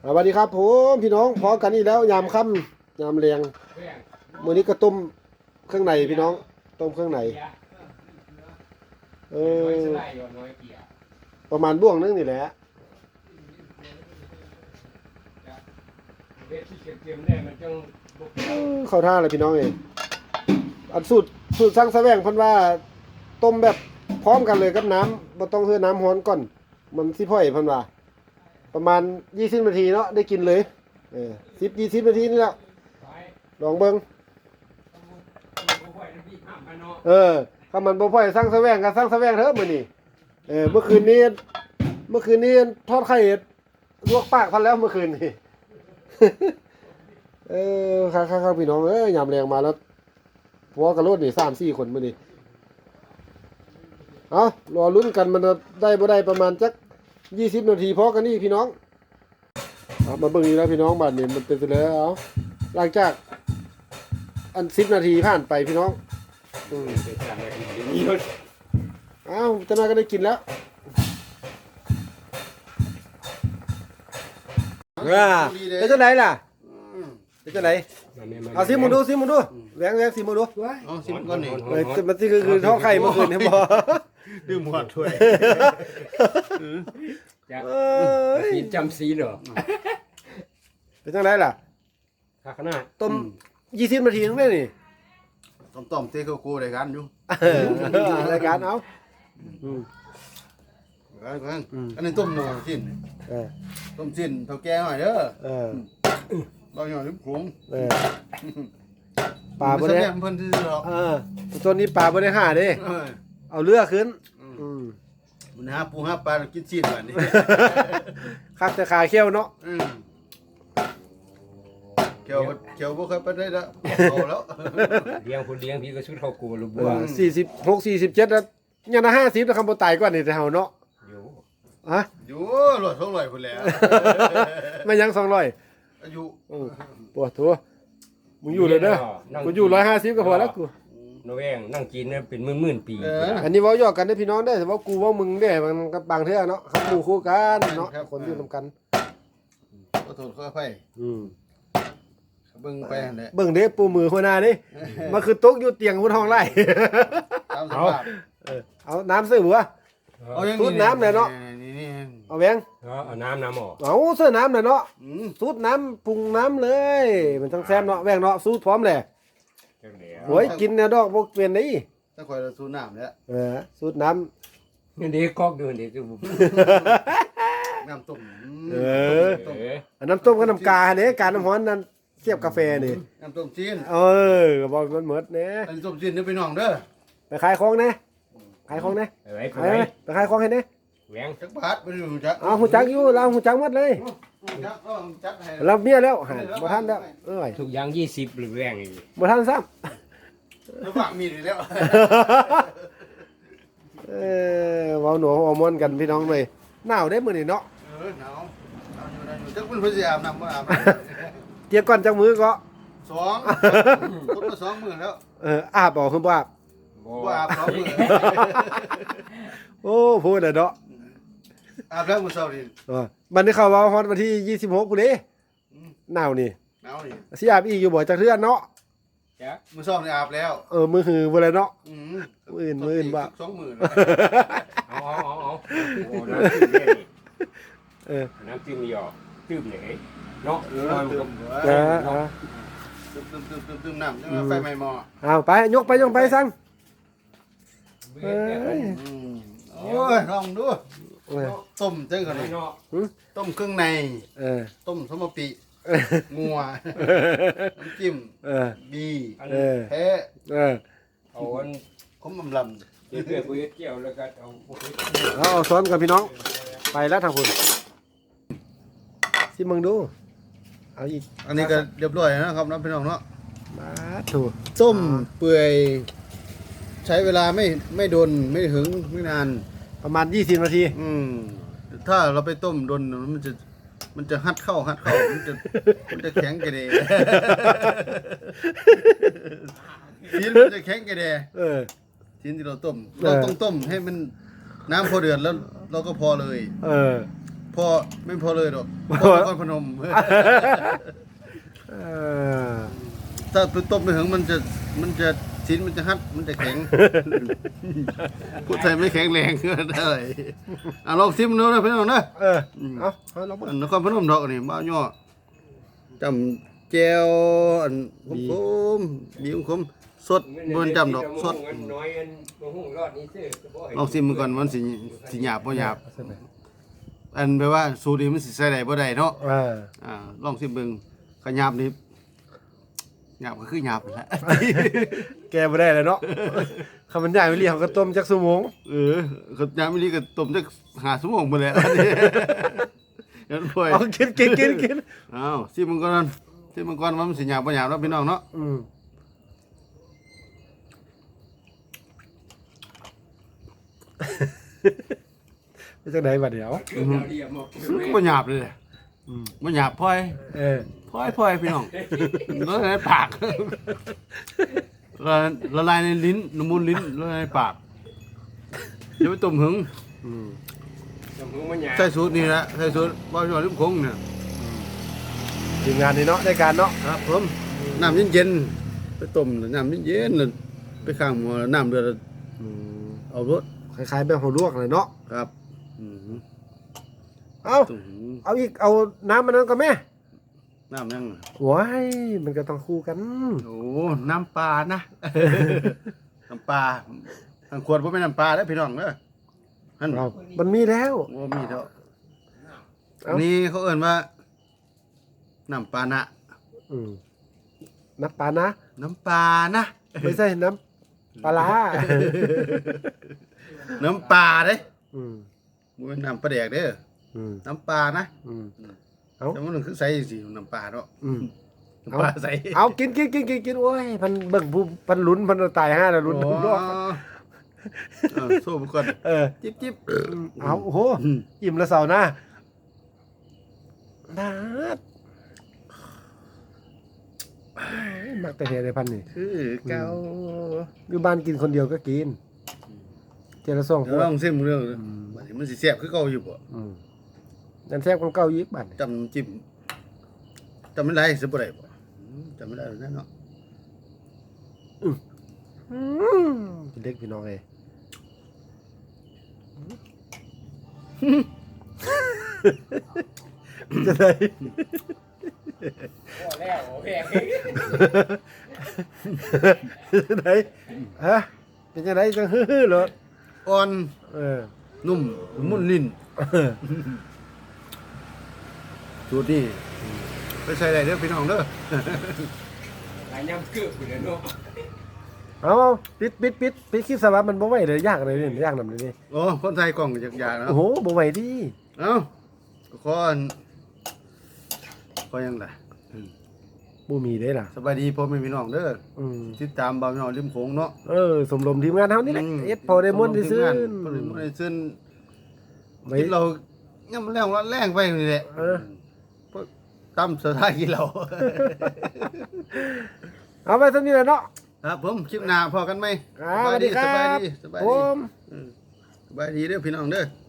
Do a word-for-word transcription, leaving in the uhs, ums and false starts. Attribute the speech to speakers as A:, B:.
A: สวัสดีครับผมพี่น้องพอกันนี่แล้วยามค่ำยามเรียงมื้อนี้ก็ต้มเครื่องในพี่น้องต้มเครื่องในเออประมาณบ่วงนึงนี่แหละเข้าท่าเลยพี่น้องเองอันสูตรสูตรสร้างแสวงเพิ่นว่าต้มแบบพร้อมกันเลยกับน้ำบ่ต้องเฮือน้ำร้อนก่อนมันสิพ่อยเพิ่นว่าประมาณยี่สิบนาทีเนาะได้กินเลยเออสิบ ยี่สิบนาทีนี่แหละลองเบิ่งเออถ้ามันบ่พ่อยสร้างแสวงก็สร้างแสวงเถอะมื้อนี้เออเมื่อคืนนี้เมื่อคืนนี้ทอดไข่ลวกปากพันแล้วเมื่อคืนนี่ เออครับๆๆพี่น้องเอ้ยยามแรงมาแล้วผัวกับรถนี่ สามสี่ คนมื้อนี้เอารอลุ้นกันมันจะได้บ่ได้ประมาณจักยี่สิบนาทีพอกันนี่พี่น้องเอามาเบิ่งอีกแล้วพี่น้องบัดนี้มันเป็นไปแล้วเอาหลังจากอันสิบนาทีผ่านไปพี่น้องอืมเอ้าจะมาก็ได้กินแล้วอ่าเป็นจังไดล่ะเป็นจังไดเอาซิมึงดูซิมึงดูแหวงแหวงซิมึงดู
B: เอาซิมก่อนนี่
A: เออมันสิคือคือทอดไข่เมื่อคืนเนี่ยบ่
B: ดื่มหมดถ้วย
A: เอ้ย
C: กินจำสีเหรอ
A: เป็นจังไดล่ะ
C: ข้าขนาด
A: ต้มยี่สิบนาทีนึงได้นี่
B: ต้มต้มเต้โกโก้รายการอยู่
A: รายการเอาอืม
B: รายการอันนี้ต้มหมูชิ้น
A: เออ
B: ต้มชิ้นเท่าแก่หน่อยเด้อ
A: เออ
B: บ่หน่อยลิบขม
A: เออปลาบ่ได้
B: เพิ่นซื่อๆหรอก
A: เออตัวนี้ปลาบ่ได้หาเด้
B: เออ
A: เอาเรือขึ้นอืม
B: มันหาปูหาปลากินชิ้นบัดนี้
A: คักแต่ขาเขี้ยวเนาะ
B: อืมเกี่ยวเกี่ยวบ่เคยไปได้แล้วเอาแล้ว
C: เลี้ยงคนเลี้ยงพี่ก็ชุดเขากูลูกบัว
A: สี่สิบหก สี่สิบเจ็ดแล้วยังน่ะห้าสิบแล้วคำบ่ตายกว่านี่แต่เฮาเนาะ
C: อยู่
A: ฮะ
B: อยู่รถเท่าไหร่พุ่นแล้ว
A: ไม่ยังสองร้อย
B: อายุ
A: อือปวดทัวมึงอยู่เลยเด้อกูอยู่หนึ่งร้อยห้าสิบก็พอแล้วกู
C: นแวงนั่งกินเนี่ยเป็นหมื่นๆปี
B: เออ
A: อันนี้เว้าหยอกกันเด้อพี่น้องเด้อแต่ว่ากูเว้ามึงเด้มันก็บางเทื่อเนาะครับหมู่คู่กันเนาะคนอยู่นำกัน
B: ขอโทษขออภัย
A: อืม
B: เบิ่งไปนั่นแหละ
A: เบิ่งเด้ปูมือหัวหน้านี่มันคือตกอยู่เตียงบนห้องไร่
B: ตามสภาพ
A: เออเอาน้ำซื้อบัว
B: เอาอย่าง
A: สูดน้ำเลยเนาะ
B: นี่
A: เอาแหวง
C: เอาน้ำน้ำออก
A: เอาเสื้อน้ำหน่อยเนาะ
B: ๆอืม
A: สูดน้ำปรุงน้ำเลย มันจังแซ่บเนาะแหวงเนาะสูดพร้อมเลยโอ้ยกินแนวดอกบ่เปลี่ยนได้
B: ถ้าข่อยเราสูดน้ำแล้ว
A: เออสูดน้ำ
C: เดี๋ยวกอกเดินเดี๋ยวจะบุก
B: น้ำต้ม
A: เออ
C: เออ
A: อันน้ำต้มกับน้ำกาเนี่ยการน้ำร้อนนั้นเทียบกาแฟนี่
B: น้ำต้มจีน
A: เออก็บอกมันหมดเนี่ย
B: อันนี้ต้มจีนเด้อพี่น้องเด้อ
A: ไปขายของนะขายของนะ
C: เอ้ยไป
A: ไปไหมไปขายของให้นะ
C: แหวง
B: จักบาทบ่ได้รู้จัก
A: เอาหูจักอยู่เราหูจักหมดเลย
B: จักเอาจักให้
A: เราเมียแล้วหาบ่ทันแล้วเอ้ย
C: ทุกอย่างยี่สิบหรือแหวงอีก
A: บ่ทันซ้
B: ระหว่างมีอยู่แล้ว
A: ำเออเว้าหนูเว้ามอนกันพี่น้องเลยหนาวได้มื้อนี้เนาะ
B: เออหนาวเอาอยู่ได้อยู่จักเพิ่นเพิ่นสิอาบน้ำบ่อาบน้ำ
A: เกี่ยวก่อนจักมือก็
B: สองคนละสองมื้อแล้ว
A: เอออาบบ่คือบ่อาบ
B: บ่อาบสองมื้อ
A: โอ้พูดน่ะเนาะ
B: อาบแล้วมื้อเช้านี่
A: เออมันได้เข้าว่าฮอดวันที่ยี่สิบหกพุ่นเด้หนาวนี่
B: หนาวนี่
A: สิอาบอีกอยู่บ่จักเทื่อเนาะ
C: จ้ะ
B: มื้อเช้านี่อาบแล้ว
A: เออมือหือบ่เลยเนาะ
B: อืม
A: มื้ออื่นมื้ออื่นบ่
B: สองมื้อ
C: เอาเอาเอาเอาโอ้น้ำจิ้มเนี่ย
A: เออ
C: น้ำจิ้มนี่อ่ะจิ้มไหนเนาะ
B: เออ
C: น้อย
B: ตึ
C: มัน
B: ม
C: ก็
A: เออเออ
B: ตึมตึมตึมตึมตึมน้ำจังไฟไหม้หม้อ
A: เอาไปยกไปยกไปสั่งเอ้ย
B: อืมโอ้ยลองดู
A: เออ
B: ต้มจังกัน
C: ไม่
B: นี่
C: เนาะ
B: ต้มเครื่องใน
A: เออ
B: ต้มสมปิงัวน้ำจิ้ม
A: เออ
B: บี
A: เออ
B: แพ้
A: เออ
C: เอาอัน
B: ขมอำล
C: เดี๋ยวเพื่อนกูจะเกี่ยวแล้วก็เอาพวกนี้
A: เอาเอาซ้อนกับพี่น้องไปแล้วทางคุณสิมึงดูเอาอีก
B: ำอันนี้ก็เรียบร้อยนะครับน้องพี่น้องเนาะ
A: มาถูก
B: ต้มเปื่อยใช้เวลาไม่ไม่โดนไม่ถึงไม่นาน
A: ประมาณยี่สิบนาที
B: อืมถ้าเราไปต้มโดนมันจะมันจะฮัดเข้าฮัดเข้ามันจะมันจะแข็งกระเดะทีนมันจะแข็งกระเดะ
A: เออ
B: ทีนที่เราต้มเราต้องต้มให้มันน้ำพอเดือดแล้วเราก็พอเลย
A: เออ
B: พพอไม่พอเลยดอกพอนครพนม
A: เออ
B: ถ้าไปต้มไม่ถึงมันจะมันจะชิ้นมันจะฮัดมันจะแข็ง พูดไทยไม่แข็งแรงก็ได้อ่ะลองซิมดูนะพี่น้องนะ
A: เออเอาเอาลอง
B: อันนครพนมดอกนี่บ้าวย่อจำแจวอันคมคมบีคมสดบนจำดอกสด
C: น้อยอันบ่ฮู้รอดนี้ซื่อ
B: ลองซิมมันก่อนมันสิสิหยาบบ่หยาบอันแปลว่าสูตรนี้มันสิใส่ได้บ่ได้เนาะ
A: เออ
B: อ่าลองซิมเบิ่งขยาบนี่หยาบก็คือหยาบนั่นแหละ
A: แกบ่ได้เลยเนาะคำบรรยายไม่เรียกเขาก็ต้มจักชั่วโมง
B: เออก็ยามนี้ก็ต้มจักห้าชั่วโมงพุ่นแหละ เดี๋ยวพ่อย
A: เอากินกินกินกิน
B: อ้าวซิมมันก่อนซิมมันก่อนว่ามันสิหยาบบ่หยาบเนาะพี่น้องเนาะ
A: อืมเป็นจังไดบัดเดี๋ยว
C: คือเราเรียกหมด
B: บ่หยาบเลยแหละ
A: อืม
B: บ่หยาบพ่อย
A: เออ
B: พ่อยพ่อยพี่น้องละลายในปาก ละละลายในลิ้นละมุนลิ้นละลายในปากเดี๋ยวไปต้มหึง
A: อืม
C: สมมุติว่าหยา
B: ใส่สูตรนี่แหละใส่สูตรบ่ยอดลิมคงเนี่ย
A: ทีมงานนี่เนาะได้การเนาะ
B: ครับผมน้ำเย็นๆไปต้มน้ำเย็นๆแล้วไปข้างหม้อแล้วน้ำเดือดแล้ว
A: อืม
B: เอารส
A: คล้ายๆแบบหัวลวกเลยเนาะ
B: ครับอืม
A: เอา
B: ต้มหึง
A: เอาอีกเอาน้ำมันนั้นก็แม่
B: น้ำยัง
A: ว้ายมันก็ต้องคู่กัน
B: โอ้น้ำปลานะ น้ำปลาทางขวดบ่แม่นน้ำปลาเด้อพี่น้องเด้อหั่น
A: เอามันมีแล้ว
B: โอ้มีเด้อ
A: เอ้า
B: นี่เขาเอิ้นว่าน้ำปลานะ
A: อืมน้ำปลานะ
B: น้ำปลานะ
A: ไม่ใช่น้ำปลาร้า
B: น้ำปลาเด้
A: อืม
B: บ่แม่นน้ำปลาแดกเด้อ
A: อืม
B: น้ำปลานะ
A: อืมเอา
B: แต่มันคือใส่สิน้ำปลาเนาะ
A: อืม
B: น้ำปลาใส่
A: เอากินกินกินกินกินโอ้ยมันเบิ่งผู้มันลุ้นมันตายห้าแล้วลุ้น
B: โอ้
A: น้ำลวก
B: เออสู้มันก่อน
A: เออ
B: จิ๊บจิ๊บ
A: เอาโอ้โห
B: อืม
A: อิ่มละเสาร์หน้านาดมักแต่เฮในพันนี่
B: คือเก่า
A: อยู่บ้านกินคนเดียวก็กินเจละสองค
B: เดี๋ยวน ลองซิมเรื่องบัดนี้มันสิแซ่บคือเก่าอยู่บ่
A: อืมยันแซ่บคนเก่ายิกบ้านนี่
B: จำจิ้มจำไม่ได้สิบ่ได้บ่อืมจำไม่ได้แล้วนะเนาะ
A: อืมเป็นเด็กพี่น้องเอ้ยจะได้
C: พอแล้วโอเค
A: จะได้ฮะเป็นจะได้จังฮือๆเหรอ
B: อ่อน
A: เออ
B: นุ่มมุนลิ้นสูตรนี้ไปใส่ได้เด้อพี่น้องเด้อ
C: หลายยำเกือบอยู่แล้วเนาะ
A: เอาเอาปิดปิดปิดปิดคลิปสาระมันบ่ไหวเลยยากเลยนี่ยากนำเลยนี่
B: โอ้คนไทยกล่องอยากๆนะ
A: โอ้โหบ่ไหวดิ
B: เอ้าขออันขอยังไง
A: บ่มีได้ล่ะ
B: สบายดีพ่อแม่พี่น้องเด้อ
A: อืม
B: ติดตามบ่าวพี่น้องริมโขงเนาะ
A: เออสมรมทีมงานเฮานี่แหละเอ็ดพอได้ม่วนได้ซื้อ
B: พอได้ม่วนได้ซื้อ
A: ไว้
B: กินเราย่ำแรงว่าแรงไปนี่แหละ
A: เออ
B: พวกตำสถานกินเรา
A: เอาไปซั่นนี่แหละเนาะ
B: ครับผมคลิปหน้าพอกันไหม
A: อ่าสวัสดีครับ
B: สบายดีสบาย
A: ผ
B: ดี
A: ม
B: เออสบายดีเด้อพี่น้องเด้อ